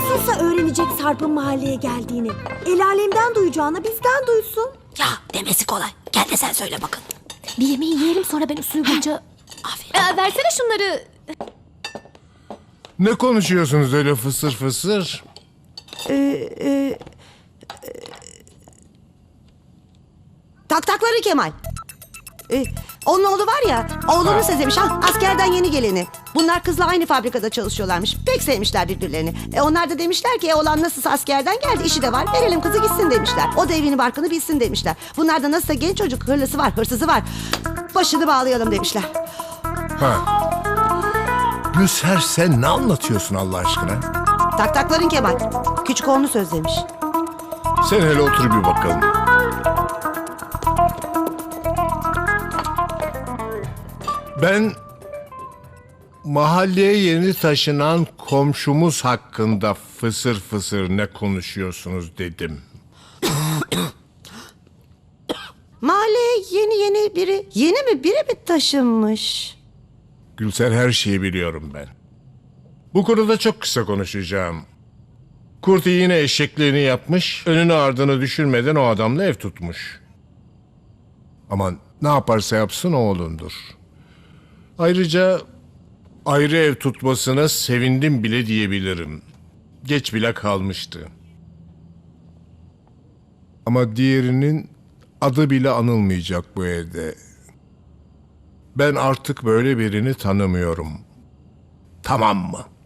Nasılsa öğrenecek Sarp'ın mahalleye geldiğini. El alemden duyacağına bizden duysun. Ya demesi kolay. Gel de sen söyle bakın. Bir yemeği yiyelim sonra ben usulü bulunca... Aferin. Versene şunları. Ne konuşuyorsunuz öyle fısır fısır? Taktakları Kemal. Onun oğlu var ya, oğlunu sezemiş ha, askerden yeni geleni. Bunlar kızla aynı fabrikada çalışıyorlarmış. Pek sevmişler birbirlerini. Onlar da demişler ki oğlan nasılsa askerden geldi, işi de var, verelim kızı gitsin demişler. O da evini barkını bilsin demişler. Bunlar da nasılsa genç çocuk, hırlısı var, hırsızı var. Başını bağlayalım demişler. Ha. Gülser sen ne anlatıyorsun Allah aşkına? Taktakların Kemal. Küçük oğlunu sözlemiş. Sen hele otur bir bakalım. Ben mahalleye yeni taşınan komşumuz hakkında fısır fısır ne konuşuyorsunuz dedim. Mahalleye yeni biri, biri mi taşınmış? Gülser her şeyi biliyorum ben. Bu konuda çok kısa konuşacağım. Kurti yine eşekliğini yapmış, önünü ardını düşünmeden o adamla ev tutmuş. Ama ne yaparsa yapsın oğlundur. Ayrıca ayrı ev tutmasına sevindim bile diyebilirim. Geç bile kalmıştı. Ama diğerinin adı bile anılmayacak bu evde. Ben artık böyle birini tanımıyorum. Tamam mı?